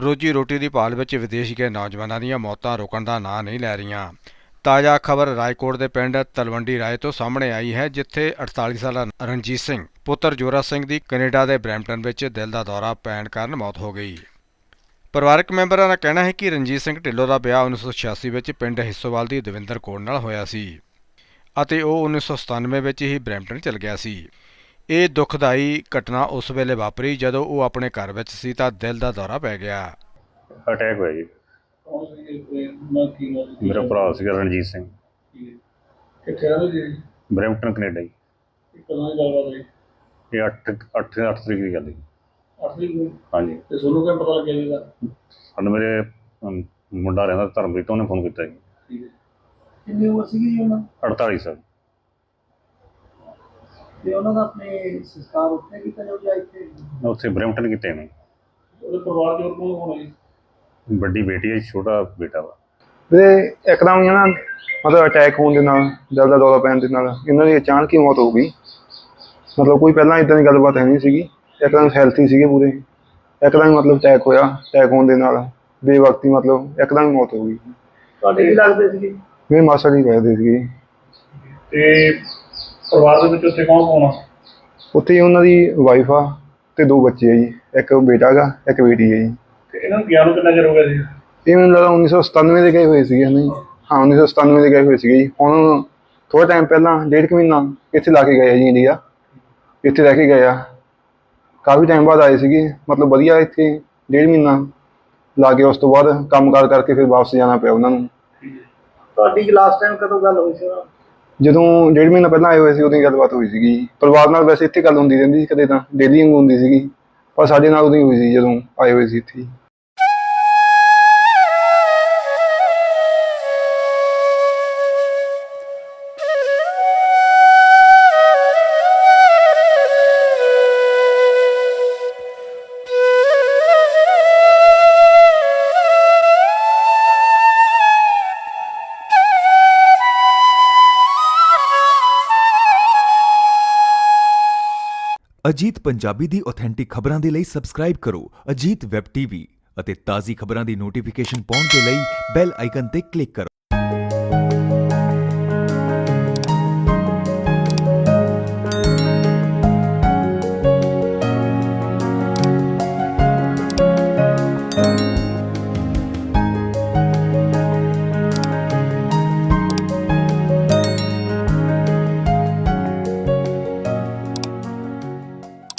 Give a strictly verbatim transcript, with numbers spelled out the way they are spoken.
ਰੋਜੀ ਰੋਟੀ ਦੀ ਭਾਲ ਵਿੱਚ ਵਿਦੇਸ਼ ਗਏ ਨੌਜਵਾਨਾਂ ਦੀਆਂ ਮੌਤਾਂ ਰੁਕਣ ਦਾ ਨਾਂ ਨਹੀਂ ਲੈ ਰਹੀਆਂ। ਤਾਜ਼ਾ ਖਬਰ ਰਾਏਕੋਟ ਦੇ ਪਿੰਡ ਤਲਵੰਡੀ ਰਾਏ ਤੋਂ ਸਾਹਮਣੇ ਆਈ ਹੈ, ਜਿੱਥੇ ਅੜਤਾਲੀ ਸਾਲਾ ਰਣਜੀਤ ਸਿੰਘ ਪੁੱਤਰ ਜੋਰਾ ਸਿੰਘ ਦੀ ਕੈਨੇਡਾ ਦੇ ਬਰੈਂਪਟਨ ਵਿੱਚ ਦਿਲ ਦਾ ਦੌਰਾ ਪੈਣ ਕਾਰਨ ਮੌਤ ਹੋ ਗਈ। ਪਰਿਵਾਰਕ ਮੈਂਬਰਾਂ ਦਾ ਕਹਿਣਾ ਹੈ ਕਿ ਰਣਜੀਤ ਸਿੰਘ ਢਿੱਲੋਂ ਦਾ ਵਿਆਹ ਉੱਨੀ ਸੌ ਛਿਆਸੀ ਵਿੱਚ ਪਿੰਡ ਹਿੱਸੋਵਾਲ ਦੀ ਦਵਿੰਦਰ ਕੌਰ ਨਾਲ ਹੋਇਆ ਸੀ ਅਤੇ ਉਹ ਉੱਨੀ ਸੌ ਸਤਾਨਵੇਂ ਵਿੱਚ ਹੀ ਬਰੈਂਪਟਨ ਚਲ ਗਿਆ ਸੀ। ਇਹ ਦੁਖਦਾਈ ਘਟਨਾ ਉਸ ਵੇਲੇ ਵਾਪਰੀ ਜਦੋਂ ਉਹ ਆਪਣੇ ਘਰ ਵਿੱਚ ਸੀ ਤਾਂ ਦਿਲ ਦਾ ਦੌਰਾ ਪੈ ਗਿਆ। ਅਟੈਕ ਹੋਇਆ ਜੀ। ਮੇਰਾ ਭਰਾ ਸੀਗਾ ਰਣਜੀਤ ਸਿੰਘ। ਕਿੱਥੇ ਰਹਿੰਦੇ ਜੀ? ਬਰੈਂਪਟਨ ਕੈਨੇਡਾ ਜੀ। ਕਦੋਂ ਦੀ ਗੱਲਬਾਤ ਹੋਈ? ਇਹ ਅੱਠ ਅੱਠ ਅੱਠ ਤਰੀਕ ਦੀ ਗੱਲ ਹੈ। ਅੱਠ ਤਰੀਕ ਨੂੰ? ਹਾਂਜੀ। ਤੇ ਤੁਹਾਨੂੰ ਕਿਵੇਂ ਪਤਾ ਲੱਗਿਆ ਜੀ ਇਹਦਾ? ਸਾਨੂੰ ਮੇਰੇ ਅਮ, ਮੁੰਡਾ ਰਹਿੰਦਾ ਧਰਮਪ੍ਰੀਤ, ਉਹਨੇ ਫੋਨ ਕੀਤਾ ਜੀ। ਠੀਕ ਹੈ। ਕਿੰਨੀ ਉਮਰ ਸੀਗੀ ਜੀ ਉਹਨਾਂ? ਅੜਤਾਲੀ ਸਾਲ। ਤੇ ਉਹਨਾਂ ਦਾ ਆਪਣੇ ਸੰਸਕਾਰ ਉੱਥੇ ਕੀਤਾ ਜਾਊਗਾ ਇੱਥੇ? ਉੱਥੇ ਬਰੈਂਪਟਨ ਕੀਤੇ ਨੇ। ਉਹਦੇ ਪਰਿਵਾਰ ਦੇ ਹੋਰ ਕੌਣ ਕੌਣ ਹੈ ਜੀ? ਵੱਡੀ ਬੇਟੀ ਹੈ, ਛੋਟਾ ਬੇਟਾ ਵਾ। ਵੀਰੇ ਇੱਕਦਮ ਹੀ ਨਾ ਮਤਲਬ ਅਟੈਕ ਹੋਣ ਦੇ ਨਾਲ, ਦਿਲ ਦਾ ਦੌਰਾ ਪੈਣ ਦੇ ਨਾਲ ਇਹਨਾਂ ਦੀ ਅਚਾਨਕ ਹੀ ਮੌਤ ਹੋ ਗਈ। ਮਤਲਬ ਕੋਈ ਪਹਿਲਾਂ ਇੱਦਾਂ ਦੀ ਗੱਲਬਾਤ ਹੈ ਨਹੀਂ ਸੀਗੀ। ਇੱਕਦਮ ਹੈਲਥੀ ਸੀਗੇ ਪੂਰੇ, ਇੱਕਦਮ ਹੀ ਮਤਲਬ ਅਟੈਕ ਹੋਇਆ। ਅਟੈਕ ਹੋਣ ਦੇ ਨਾਲ ਬੇਵਕਤੀ ਮਤਲਬ ਇੱਕਦਮ ਹੀ ਮੌਤ ਹੋ ਗਈ। ਤੁਹਾਡੇ ਕੀ ਲੱਗਦੇ ਸੀਗੇ? ਮੇਰੇ ਮਾਸਾ ਜੀ ਰਹਿੰਦੇ ਸੀਗੇ। ਤੇ ਪਰਿਵਾਰ ਦੇ ਵਿੱਚ ਉੱਥੇ ਕੌਣ ਕੌਣ ਆ? ਉੱਥੇ ਹੀ ਉਹਨਾਂ ਦੀ ਵਾਈਫ ਆ ਅਤੇ ਦੋ ਬੱਚੇ ਆ ਜੀ। ਇੱਕ ਬੇਟਾ ਗਾ, ਇੱਕ ਬੇਟੀ ਹੈ ਜੀ। ਤੇ ਇਹਨਾਂ ਨੂੰ ਗਿਆ ਨੂੰ ਕਿੰਨਾ ਚਿਰ ਹੋ ਗਿਆ ਸੀ? ਇਹ ਮੈਨੂੰ ਲੱਗਦਾ ਉੱਨੀ ਸੌ ਸਤਾਨਵੇਂ ਦੇ ਗਏ ਹੋਏ ਸੀਗੇ ਹੈ ਨਾ ਜੀ। ਹਾਂ, ਉੱਨੀ ਸੌ ਸਤਾਨਵੇਂ ਦੇ ਗਏ ਹੋਏ ਸੀਗੇ ਜੀ। ਹੁਣ ਥੋੜ੍ਹਾ ਟਾਈਮ ਪਹਿਲਾਂ ਡੇਢ ਕੁ ਮਹੀਨਾ ਇੱਥੇ ਲਾ ਕੇ ਗਏ ਆ ਜੀ ਇੰਡੀਆ। ਇੱਥੇ ਰਹਿ ਕੇ ਗਏ ਆ। ਕਾਫੀ ਟਾਈਮ ਬਾਅਦ ਆਏ ਸੀਗੇ, ਮਤਲਬ ਵਧੀਆ ਇੱਥੇ ਡੇਢ ਮਹੀਨਾ ਲਾ ਕੇ ਉਸ ਤੋਂ ਬਾਅਦ ਕੰਮ ਕਾਰ ਕਰਕੇ ਫਿਰ ਵਾਪਸ ਜਾਣਾ ਪਿਆ ਉਹਨਾਂ ਨੂੰ। ਤੁਹਾਡੀ ਲਾਸਟ ਟਾਈਮ ਕਦੋਂ ਗੱਲ ਹੋਈ ਸੀ? ਜਦੋਂ ਡੇਢ ਮਹੀਨਾ ਪਹਿਲਾਂ ਆਏ ਹੋਏ ਸੀ ਉਦੋਂ ਗੱਲਬਾਤ ਹੋਈ ਸੀਗੀ। ਪਰਿਵਾਰ ਨਾਲ ਵੈਸੇ ਇੱਥੇ ਗੱਲ ਹੁੰਦੀ ਰਹਿੰਦੀ ਸੀ, ਕਦੇ ਤਾਂ ਡੇਲੀ ਵਾਂਗੂ ਹੁੰਦੀ ਸੀਗੀ, ਪਰ ਸਾਡੇ ਨਾਲ ਉਦੋਂ ਹੀ ਹੋਈ ਸੀ ਜਦੋਂ ਆਏ ਹੋਏ ਸੀ ਇੱਥੇ। ਅਜੀਤ ਪੰਜਾਬੀ ਦੀ ਆਥੈਂਟਿਕ ਖਬਰਾਂ ਦੇ ਲਈ ਸਬਸਕ੍ਰਾਈਬ ਕਰੋ ਅਜੀਤ ਵੈਬ ਟੀਵੀ ਅਤੇ ਤਾਜ਼ੀ ਖਬਰਾਂ ਦੀ ਨੋਟੀਫਿਕੇਸ਼ਨ ਪਾਉਣ ਦੇ ਲਈ ਬੈਲ ਆਈਕਨ ਤੇ ਕਲਿੱਕ ਕਰੋ।